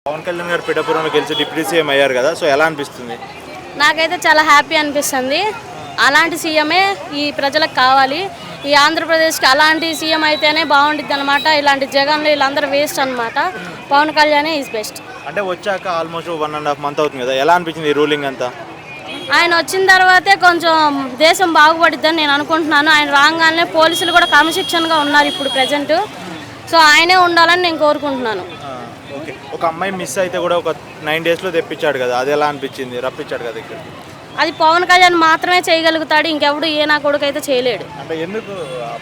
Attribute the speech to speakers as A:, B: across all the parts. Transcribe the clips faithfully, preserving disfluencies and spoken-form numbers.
A: పవన్ కళ్యాణ్ గారు పిఠాపురంలో గెలిచి డిప్యూటీ సీఎం అయ్యారు కదా, సో ఎలా అనిపిస్తుంది?
B: నాకైతే చాలా హ్యాపీ అనిపిస్తుంది. అలాంటి సీఎమే ఈ ప్రజలకు కావాలి. ఈ ఆంధ్రప్రదేశ్కి అలాంటి సీఎం అయితేనే బాగుంటుంది అనమాట. ఇలాంటి జగన్లు వీళ్ళందరూ వేస్ట్ అనమాట. పవన్ కళ్యాణే ఈజ్ బెస్ట్.
A: అంటే వచ్చాక almost one and half month అవుతుంది కదా, ఎలా అనిపించింది ఈ రూలింగ్ అంతా?
B: ఆయన వచ్చిన తర్వాతే కొంచెం దేశం బాగుపడిద్దని నేను అనుకుంటున్నాను. ఆయన రాగానే పోలీసులు కూడా క్రమశిక్షణగా ఉన్నారు ఇప్పుడు ప్రజెంట్. సో ఆయనే ఉండాలని నేను కోరుకుంటున్నాను.
A: ఓకే, ఒక అమ్మాయి మిస్ అయితే కూడా ఒక నైన్ డేస్లో తెప్పించాడు కదా, అది ఎలా అనిపించింది? రప్పించాడు కదా ఇక్కడ.
B: అది పవన్ కళ్యాణ్ మాత్రమే చేయగలుగుతాడు, ఇంకెవడు ఏ నా కొడుకు అయితే చేయలేడు.
A: అంటే ఎందుకు,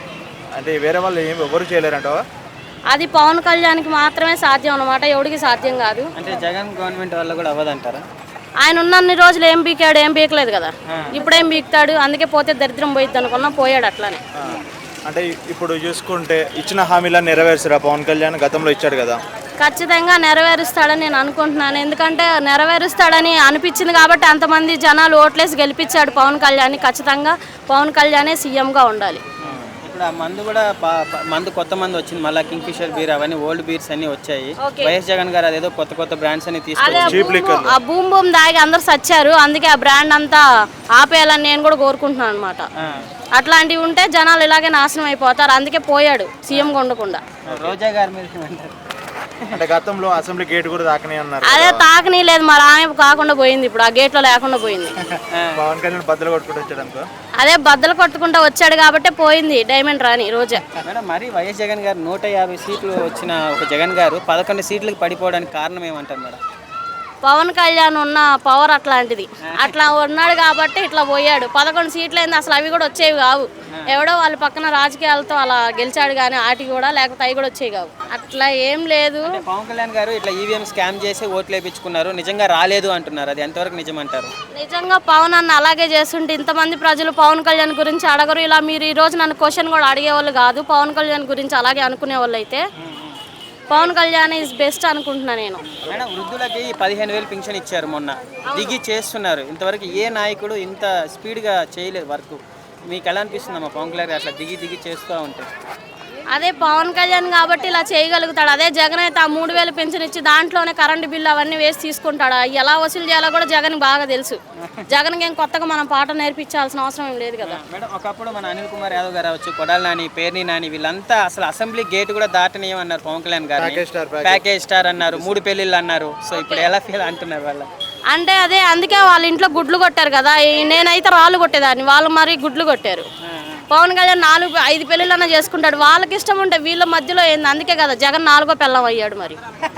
A: అంటే వేరే వాళ్ళు ఏం ఎవరు చేయలేరంటావా?
B: అది పవన్ కళ్యాణ్కి మాత్రమే సాధ్యం అన్నమాట, ఎవడికి సాధ్యం కాదు.
C: అంటే జగన్ గవర్నమెంట్ వల్ల కూడా అవ్వదంటారా?
B: ఆయన ఉన్నన్ని రోజులు ఏం పీకాడు, ఏం పీకలేదు కదా. ఇప్పుడేం పీకుతాడు? అందుకే పోతే దరిద్రం పోయిద్ది అనుకున్నా, పోయాడు అట్లానే.
A: అంటే ఇప్పుడు చూసుకుంటే ఇచ్చిన హామీలను నెరవేర్చరా పవన్ కళ్యాణ్? గతంలో ఇచ్చాడు కదా.
B: ఖచ్చితంగా నెరవేరుస్తాడని నేను అనుకుంటున్నాను. ఎందుకంటే నెరవేరుస్తాడని అనిపించింది కాబట్టి అంతమంది జనాలు ఓట్లేసి గెలిపించాడు పవన్ కళ్యాణ్. ఖచ్చితంగా పవన్ కళ్యాణే సీఎంగా ఉండాలి.
C: ఇప్పుడు ఆ మందు కూడా మందు కొత్త మందు వచ్చింది, మళ్ళీ కింగ్ ఫిషర్ బీర్ అవన్నీ ఓల్డ్ బీర్స్ అన్ని వచ్చాయి. వైఎస్ జగన్ గారు అదేదో కొత్త కొత్త బ్రాండ్స్ అన్ని తీసుకొచ్చి
B: ఆ బూమ్ బూమ్ దాగి అందరు సచ్చారు. అందుకే ఆ బ్రాండ్ అంతా ఆపేయాలని నేను కూడా కోరుకుంటున్నాను అనమాట. అట్లాంటివి ఉంటే జనాలు ఇలాగే నాశనం అయిపోతారు. అందుకే పోయాడు సీఎంగా ఉండకుండా.
C: రోజా గారి మీద
A: అంటే గతంలో అసెంబ్లీ గేట్ కూడా తాకని అన్నారు.
B: అదే తాకనీ లేదు, మరి ఆమె కాకుండా పోయింది, ఇప్పుడు ఆ గేట్ లో లేకుండా పోయింది.
A: పవన్ కళ్యాణ్ బద్దలు కొట్టుకుంటూ వచ్చాడు అనుకో.
B: అదే బద్దలు కొట్టుకుంటూ వచ్చాడు కాబట్టి పోయింది డైమండ్ రాణి రోజా.
C: మేడం, మరి వైఎస్ జగన్ గారు నూట యాభై సీట్లు వచ్చిన ఒక జగన్ గారు పదకొండు సీట్లకు పడిపోవడానికి కారణం ఏమంటారు మేడం?
B: పవన్ కళ్యాణ్ ఉన్న పవర్ అట్లాంటిది. అట్లా ఉన్నాడు కాబట్టి ఇట్లా పోయాడు. పదకొండు సీట్లు అయింది, అసలు అవి కూడా వచ్చేవి కావు. ఎవడో వాళ్ళ పక్కన రాజకీయాలతో అలా గెలిచాడు కానీ వాటికి కూడా, లేకపోతే అవి కూడా వచ్చేవి కావు. అట్లా ఏం లేదు.
C: పవన్ కళ్యాణ్ గారు ఇట్లా ఈవీఎం స్కామ్ చేసి ఓట్లు వేయించుకున్నారు, నిజంగా రాలేదు అంటున్నారు. అది ఎంతవరకు నిజం అంటారు?
B: నిజంగా పవన్ అన్న అలాగే చేస్తుంటే ఇంతమంది ప్రజలు పవన్ కళ్యాణ్ గురించి అడగరు. ఇలా మీరు ఈ రోజు నన్ను క్వశ్చన్ కూడా అడిగేవాళ్ళు కాదు. పవన్ కళ్యాణ్ గురించి అలాగే అనుకునే వాళ్ళు అయితే పవన్ కళ్యాణ్ ఈజ్ బెస్ట్ అనుకుంటున్నా నేను.
C: మేడం, వృద్ధులకి పదిహేను వేలు పింఛన్ ఇచ్చారు మొన్న, దిగి చేస్తున్నారు. ఇంతవరకు ఏ నాయకుడు ఇంత స్పీడ్గా చేయలేదు వర్క్. మీకు ఎలా అనిపిస్తుందమ్మా పవన్ కళ్యాణ్ అట్లా దిగి దిగి చేస్తూ ఉంటే?
B: అదే పవన్ కళ్యాణ్ కాబట్టి ఇలా చేయగలుగుతాడు. అదే జగన్ అయితే ఆ మూడు వేలు పెన్షన్ ఇచ్చి దాంట్లోనే కరెంటు బిల్లు అవన్నీ వేసి తీసుకుంటాడు. ఎలా వసూలు చేయాలో కూడా జగన్ బాగా తెలుసు. జగన్కి ఏం కొత్తగా మనం పాట నేర్పించాల్సిన అవసరం ఏం లేదు కదా.
C: మేడం, ఒకప్పుడు మన అనిల్ కుమార్ యాదవ్ గారు అవచ్చు, కొడాలి నాని, పేర్ని నాని, వీళ్ళంతా అసలు అసెంబ్లీ గేట్ కూడా దాటనీయమన్నారు పవన్ కళ్యాణ్ గారు. ప్యాకేజ్ స్టార్ అన్నారు, మూడు పెళ్లిళ్ళు అన్నారు. సో ఇప్పుడు ఎలా ఫీల్ అంటున్నారు వాళ్ళ?
B: అంటే అదే అందుకే వాళ్ళ ఇంట్లో గుడ్లు కొట్టారు కదా. నేనైతే రాళ్ళు కొట్టేదాన్ని, వాళ్ళు మరి గుడ్లు కొట్టారు. పవన్ కళ్యాణ్ నాలుగు ఐదు పెళ్ళిళ్ళన్నా చేసుకుంటాడు. వాళ్ళకి ఇష్టం ఉంటే వీళ్ళ మధ్యలో ఏంది? అందుకే కదా జగన్ నాలుగో పెళ్ళం అయ్యాడు మరి.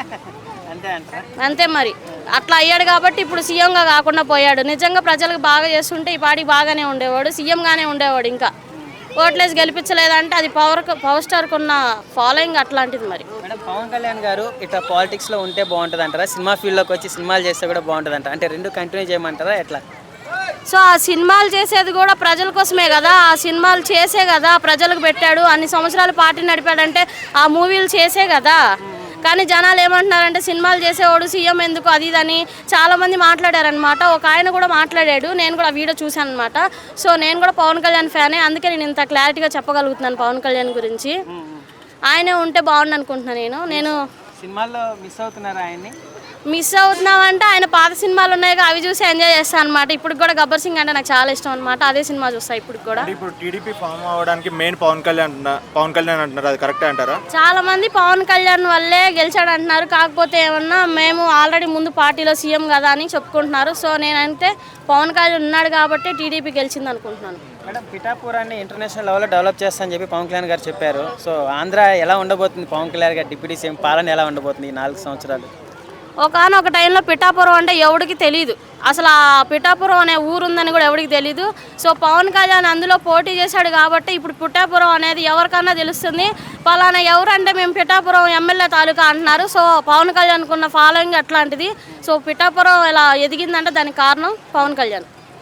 B: అంతే మరి, అట్లా అయ్యాడు కాబట్టి ఇప్పుడు సీఎంగా కాకుండా పోయాడు. నిజంగా ప్రజలకు బాగా చేస్తుంటే ఈ పార్టీ బాగానే ఉండేవాడు, సీఎంగానే ఉండేవాడు. ఇంకా ఓట్లేసి గెలిపించలేదంటే అది పవర్ పవర్ స్టార్కి ఉన్న ఫాలోయింగ్ అట్లాంటిది మరి.
C: మేడం, పవన్ కళ్యాణ్ గారు ఇట్లా పాలిటిక్స్లో ఉంటే బాగుంటుంది అంటారా? సినిమా ఫీల్డ్లోకి వచ్చి సినిమాలు చేస్తే కూడా బాగుంటుంది అంటారా? అంటే రెండు కంటిన్యూ చేయమంటారా ఎట్లా?
B: సో ఆ సినిమాలు చేసేది కూడా ప్రజల కోసమే కదా. ఆ సినిమాలు చేసే కదా ప్రజలకు పెట్టాడు. అన్ని సంవత్సరాలు పార్టీ నడిపాడంటే ఆ మూవీలు చేసే కదా. కానీ జనాలు ఏమంటున్నారంటే సినిమాలు చేసేవాడు సీఎం ఎందుకు అది ఇదని చాలామంది మాట్లాడారనమాట. ఒక ఆయన కూడా మాట్లాడాడు, నేను కూడా వీడియో చూశాను అనమాట. సో నేను కూడా పవన్ కళ్యాణ్ ఫ్యానే, అందుకే నేను ఇంత క్లారిటీగా చెప్పగలుగుతున్నాను పవన్ కళ్యాణ్ గురించి. ఆయనే ఉంటే బాగుండు అనుకుంటున్నాను నేను. నేను
C: సినిమాల్లో మిస్ అవుతున్నారా ఆయన్ని?
B: మిస్ అవుతున్నామంటే ఆయన పాత సినిమాలు ఉన్నాయి, అవి చూసి ఎంజాయ్ చేస్తాను అనమాట. ఇప్పుడు కూడా గబ్బర్ సింగ్ అంటే నాకు చాలా ఇష్టం అనమాట. అదే సినిమా చూస్తాను ఇప్పుడు కూడా.
A: ఇప్పుడు టీడీపీ ఫామ్ అవ్వడానికి మెయిన్ పవన్ కళ్యాణ్ పవన్ కళ్యాణ్ అంటున్నారు, అది కరెక్టే అంటారా?
B: చాలా మంది పవన్ కళ్యాణ్ వల్లే గెలిచాడు అంటున్నారు. కాకపోతే ఏమన్నా మేము ఆల్రెడీ ముందు పార్టీలో సీఎం కదా అని చెప్పుకుంటున్నారు. సో నేనంటే పవన్ కళ్యాణ్ ఉన్నాడు కాబట్టి టీడీపీ గెలిచింది అనుకుంటున్నాను.
C: మేడం, పిఠాపురాన్ని ఇంటర్నేషనల్ లెవెల్లో డెవలప్ చేస్తానని చెప్పి పవన్ కళ్యాణ్ గారు చెప్పారు. సో ఆంధ్ర ఎలా ఉండబోతుంది? పవన్ కళ్యాణ్ గారు డిప్యూటీ సీఎం పాలన ఎలా ఉండబోతుంది ఈ నాలుగు సంవత్సరాలు?
B: ఒకనొక టైంలో పిఠాపురం అంటే ఎవరికి తెలీదు. అసలు ఆ పిఠాపురం అనే ఊరు ఉందని కూడా ఎవరికి తెలీదు. సో పవన్ కళ్యాణ్ అందులో పోటీ చేశాడు కాబట్టి ఇప్పుడు పిఠాపురం అనేది ఎవరికన్నా తెలుస్తుంది. పలానా ఎవరంటే మేము పిఠాపురం ఎమ్మెల్యే తాలూకా అంటున్నారు. సో పవన్ కళ్యాణ్కి ఉన్న ఫాలోయింగ్ అట్లాంటిది. సో పిఠాపురం ఇలా ఎదిగిందంటే దానికి కారణం పవన్ కళ్యాణ్.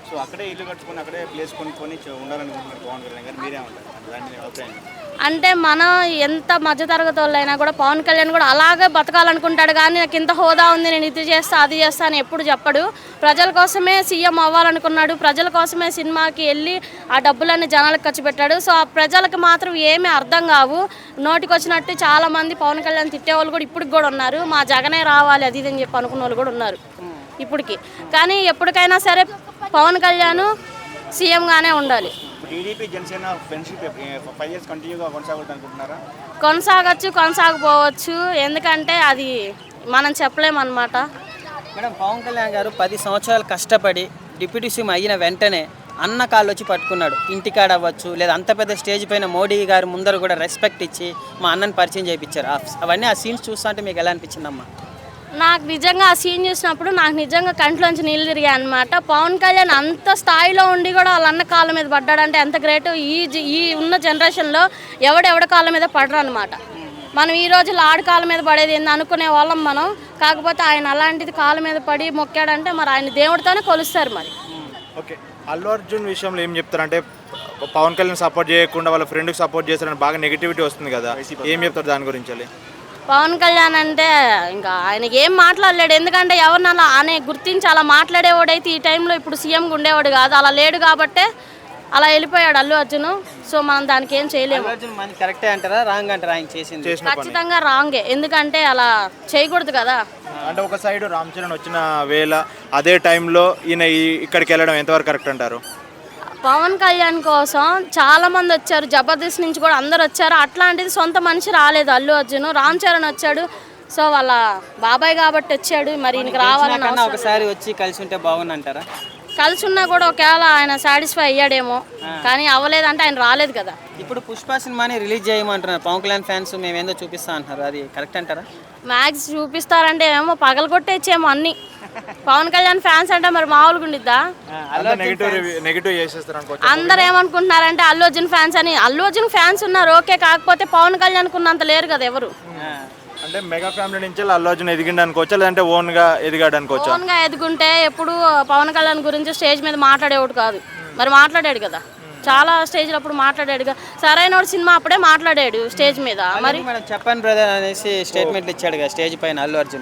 D: సో అక్కడే ఇల్లు కట్టుకొని అక్కడే ప్లేస్ కొనుక్కొని చ- ఉండాలనుకుంటున్నారు పవన్ కళ్యాణ్ గారు, మీరే ఉంటారు దాని అభిప్రాయం ఏంటి?
B: అంటే మనం ఎంత మధ్యతరగతి వాళ్ళైనా కూడా పవన్ కళ్యాణ్ కూడా అలాగే బతకాలనుకుంటాడు, కానీ నాకు ఇంత హోదా ఉంది నేను ఇది చేస్తా అది చేస్తా అని ఎప్పుడు చెప్పడు. ప్రజల కోసమే సీఎం అవ్వాలనుకున్నాడు, ప్రజల కోసమే సినిమాకి వెళ్ళి ఆ డబ్బులన్నీ జనాలకు ఖర్చు పెట్టాడు. సో ఆ ప్రజలకు మాత్రం ఏమీ అర్థం కావు. నోటికి వచ్చినట్టు చాలామంది పవన్ కళ్యాణ్ తిట్టేవాళ్ళు కూడా ఇప్పటికి కూడా ఉన్నారు. మా జగనే రావాలి అది ఇది అని చెప్పి అనుకున్న వాళ్ళు కూడా ఉన్నారు ఇప్పటికి. కానీ ఎప్పటికైనా సరే పవన్ కళ్యాణ్ సీఎంగానే ఉండాలి.
D: TDP Janasena friendship five years కంటిన్యూగా కొనసాగుతుంది అనుకుంటున్నారా?
B: కొనసాగచ్చు కొనసాగపోవచ్చు, ఎందుకంటే అది మనం చెప్పలేమన్నమాట.
C: మేడం, పవన్ కళ్యాణ్ గారు పది సంవత్సరాలు కష్టపడి డిప్యూటీ సీఎం అయిన వెంటనే అన్న కాళ్ళు వచ్చి పట్టుకున్నాడు. ఇంటికాడ అవ్వచ్చు లేదా అంత పెద్ద స్టేజ్ పైన మోడీ గారు ముందర కూడా రెస్పెక్ట్ ఇచ్చి మా అన్నని పరిచయం చేయించారు. అవన్నీ ఆ సీన్స్ చూస్తుంటే మీకు ఎలా అనిపించిందమ్మా?
B: నాకు నిజంగా ఆ సీన్ చూసినప్పుడు నాకు నిజంగా కంట్లోంచి నీళ్ళు తిరిగాయి అనమాట. పవన్ కళ్యాణ్ అంత స్థాయిలో ఉండి కూడా వాళ్ళ అన్న కాళ్ళ మీద పడ్డాడంటే ఎంత గ్రేట్. ఈ జ- ఈ ఉన్న జనరేషన్లో ఎవడెవడ కాళ్ళ మీద పడరు అనమాట. మనం ఈ రోజుల్లో ఆడి కాళ్ళ మీద పడేది ఏంది అనుకునే వాళ్ళం మనం. కాకపోతే ఆయన అలాంటిది కాళ్ళ మీద పడి మొక్కాడంటే మరి ఆయన దేవుడితోనే కొలుస్తారు మరి.
A: ఓకే, అల్లు అర్జున్ విషయంలో ఏం చెప్తారంటే పవన్ కళ్యాణ్ సపోర్ట్ చేయకుండా వాళ్ళ ఫ్రెండ్కి సపోర్ట్ చేస్తారని బాగా నెగిటివిటీ వస్తుంది కదా, ఏం చెప్తారు దాని గురించి?
B: పవన్ కళ్యాణ్ అంటే ఇంకా ఆయనకి ఏం మాట్లాడలేడు, ఎందుకంటే ఎవరిని అలా అనే గుర్తించి అలా మాట్లాడేవాడైతే ఈ టైంలో ఇప్పుడు సీఎంగా ఉండేవాడు కాదు. అలా లేడు కాబట్టే అలా వెళ్ళిపోయాడు అల్లు అర్జున్. సో మనం దానికి ఏం చేయలేము.
C: అర్జున్ మన కరెక్టే అంటారా, రాంగ్ అంటారా ఆయన చేసింది?
A: చేసిన పని
B: ఖచ్చితంగా రాంగే, ఎందుకంటే అలా చేయకూడదు కదా.
A: అంటే ఒక సైడ్ రామ్ చరణ్ వచ్చిన వేళ అదే టైంలో ఈయన ఈ- ఇక్కడికి వెళ్ళడం ఎంతవరకు కరెక్ట్ అంటారు?
B: పవన్ కళ్యాణ్ కోసం చాలా మంది వచ్చారు, జబర్దస్త్ నుంచి కూడా అందరు వచ్చారు. అట్లాంటిది సొంత మనిషి రాలేదు అల్లు అర్జున్, రామ్ చరణ్ వచ్చాడు. సో వాళ్ళ బాబాయ్ కాబట్టి వచ్చాడు, మరి ఈయనకి రావాలని
C: కన్నా
B: అవసరం
C: ఒకసారి వచ్చి కలిసి ఉంటే బాగుంది అంటారా?
B: కలిసి ఉన్నా కూడా ఒకవేళ ఆయన సాటిస్ఫై అయ్యాడేమో, కానీ అవ్వలేదంటే ఆయన రాలేదు కదా.
C: ఇప్పుడు పుష్ప సినిమాని రిలీజ్ చేయమంటున్నారు పవన్ కళ్యాణ్ ఫ్యాన్స్, మేమేందో చూపిస్తా అంటున్నారు, అది కరెక్ట్ అంటారా?
B: మ్యాక్స్ చూపిస్తారంటే ఏమో పగల కొట్టేచ్చేమో అన్ని. పవన్ కళ్యాణ్ ఫ్యాన్స్ అంటే మరి మామూలుగా ఉండిద్దా?
A: నెగిటివ్ నెగిటివ్ చేసేస్తారు అనుకోవచ్చు.
B: అందరు ఏమనుకుంటున్నారంటే అల్లు అర్జున్ ఫ్యాన్స్ అని. అల్లు అర్జున్ ఫ్యాన్స్ ఉన్నారు ఓకే, కాకపోతే పవన్ కళ్యాణ్ ఉన్నంత లేరు కదా ఎవరు.
A: అంటే మెగా ఫ్యామిలీ నుంచి అల్లు అర్జున్ ఎదిగిండు అనుకోవచ్చా, లేదంటే ఓన్ గా ఎదిగాడు అనుకోవచ్చా?
B: ఓన్ గా ఎదుగుంటే ఎప్పుడు పవన్ కళ్యాణ్ గురించి స్టేజ్ మీద మాట్లాడేవాడు కాదు, మరి మాట్లాడాడు కదా చాలా స్టేజ్లో అప్పుడు మాట్లాడాడు కదా. సరైన సినిమా అప్పుడే మాట్లాడాడు స్టేజ్ మీద. మరి
C: మేడం చెప్పండి బ్రదర్ అనేసి స్టేట్మెంట్లు ఇచ్చాడు కదా స్టేజ్ పైన అల్లు అర్జున్.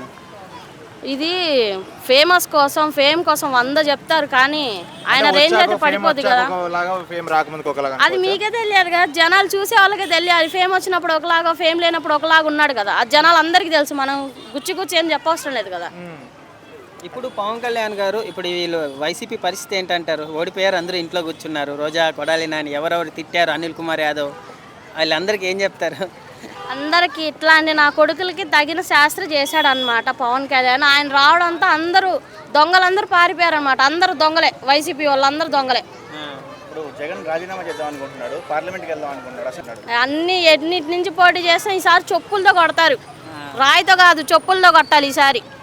B: ఇది ఫేమస్ కోసం ఫేమ్ కోసం వంద చెప్తారు, కానీ ఆయన రేంజ్ అయితే పడిపోద్ది కదా.
A: ఫేమ్ రాకముందుకు ఒకలాగా
B: అది మీకే తెలియదు కదా, జనాలు చూసే వాళ్ళకే తెలియాలి. ఫేమ్ వచ్చినప్పుడు ఒకలాగా, ఫేమ్ లేనప్పుడు ఒకలాగా ఉన్నాడు కదా. ఆ జనాలు అందరికీ తెలుసు, మనం గుచ్చి గుచ్చి ఏం చెప్పవసరం లేదు కదా.
C: ఇప్పుడు పవన్ కళ్యాణ్ గారు ఇప్పుడు వీళ్ళు వైసీపీ పరిస్థితి ఏంటంటారు? ఓడిపోయారు, అందరూ ఇంట్లో కూర్చున్నారు. రోజా, కొడాలి నాని ఎవరెవరు తిట్టారు, అనిల్ కుమార్ యాదవ్, వీళ్ళందరికీ ఏం చెప్తారు?
B: అందరికి ఇట్లాంటి నా కొడుకులకి తగిన శాస్త్రి చేశాడు అనమాట పవన్ కళ్యాణ్. ఆయన రావడంతో అందరూ దొంగలందరూ పారిపోయారు అనమాట. అందరూ దొంగలే, వైసీపీ వాళ్ళందరూ దొంగలే.
D: ఇప్పుడు జగన్ రాజీనామా చేద్దాం అనుకుంటున్నాడు, పార్లమెంట్కి వెళ్దాం అనుకుంటున్నాడు, అసలు
B: అన్ని ఎన్నిటి నుంచి పోటీ చేస్తే ఈసారి చెప్పులతో కొడతారు, రాయితో కాదు చెప్పులతో కొట్టాలి ఈసారి.